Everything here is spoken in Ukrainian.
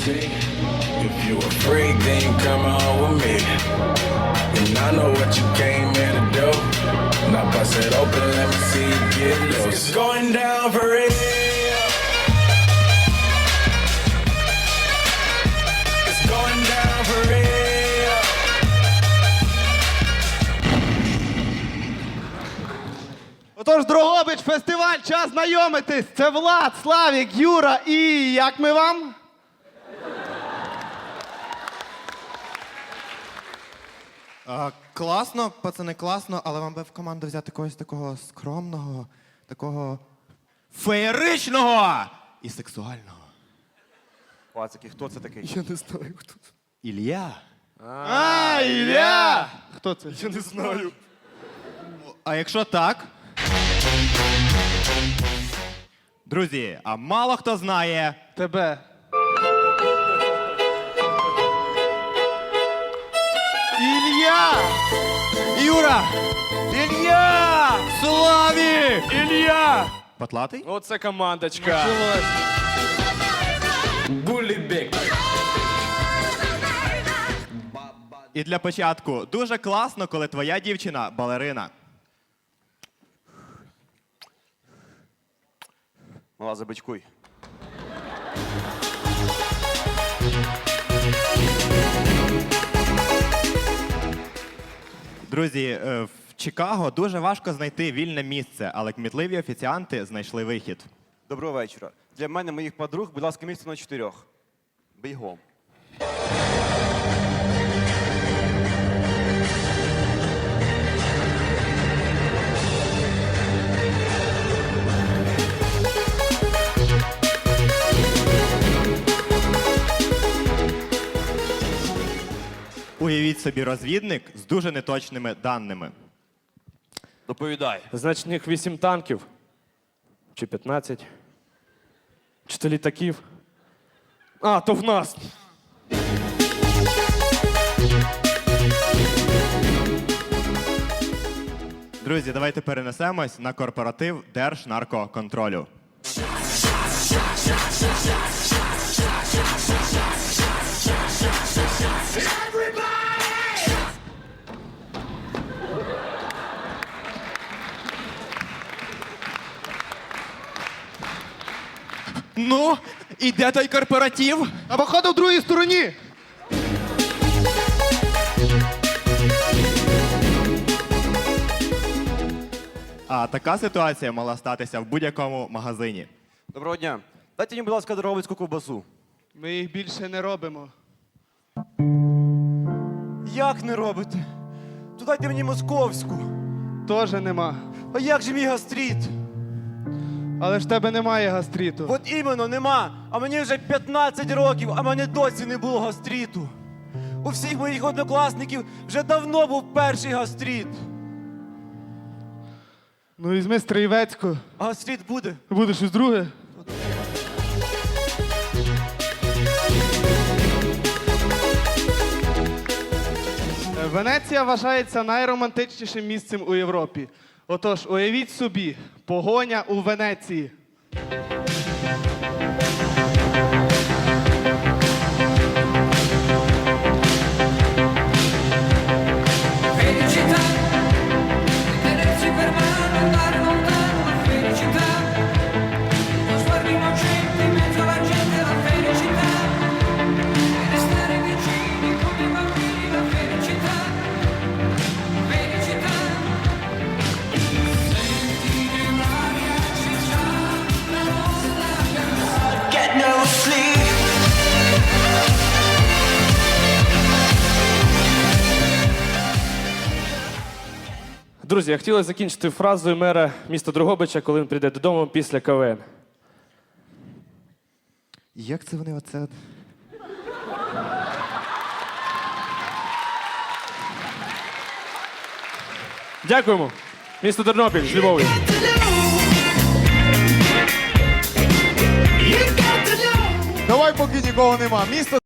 see. If you afraid, then come on with me. And I know what you came here to do. Now bust it open, let me see you get loose. It's going down for real. It's going down for real. Отож, Дрогобич, фестиваль, час знайомитись. Це Влад, Славік, Юра і як ми вам? Класно, пацани, класно, але вам би в команду взяти когось такого скромного, такого феєричного і сексуального. Пацики, хто це такий? Я не знаю, хто це. Ілля. Ілля! Хто це? Я не знаю. А якщо так? Друзі, а мало хто знає. Тебе. Ілля! Юра! Ілля! Славік! Ілля! Патлатий? Оце командочка. Буллібек. І для початку, дуже класно, коли твоя дівчина балерина. Мала, забичкуй. Друзі, в Чикаго дуже важко знайти вільне місце, але кмітливі офіціанти знайшли вихід. Доброго вечора. Для мене, моїх подруг, будь ласка, місце на 4. Бігом. Уявіть собі розвідник з дуже неточними даними. Доповідай. Значить, в них 8 танків. Чи 15. Чи то літаків. А, то в нас. Друзі, давайте перенесемось на корпоратив Держнаркоконтролю. Ну, і де той корпоратив? А походу в другій стороні. А така ситуація мала статися в будь-якому магазині. Доброго дня. Дайте мені, будь ласка, дрогобицьку ковбасу. Ми їх більше не робимо. Як не робите? То дайте мені московську. Тоже нема. А як же мій гастрит? Але ж в тебе немає гастриту. От іменно нема. А мені вже 15 років, а мене досі не було гастриту. У всіх моїх однокласників вже давно був перший гастрит. Ну візьми Стрієвецьку. А гастрит буде? Буде щось друге? Венеція вважається найромантичнішим місцем у Європі. Отож, уявіть собі, погоня у Венеції. Felicità, tenersi per mano, andare lontano, la felicità, lo sguardo innocente in mezzo alla gente, la felicità, e restare vicini come bambini, la felicità, felicità, sentire un'aria ci sa, la nostra canzone. Get no sleep. Друзі, я хотіла закінчити фразою мера міста Дрогобича, коли він прийде додому після КВН. Як це вони оце? Дякуємо. Місто Тернопіль з любов'ю. Давай, поки нікого нема. Місто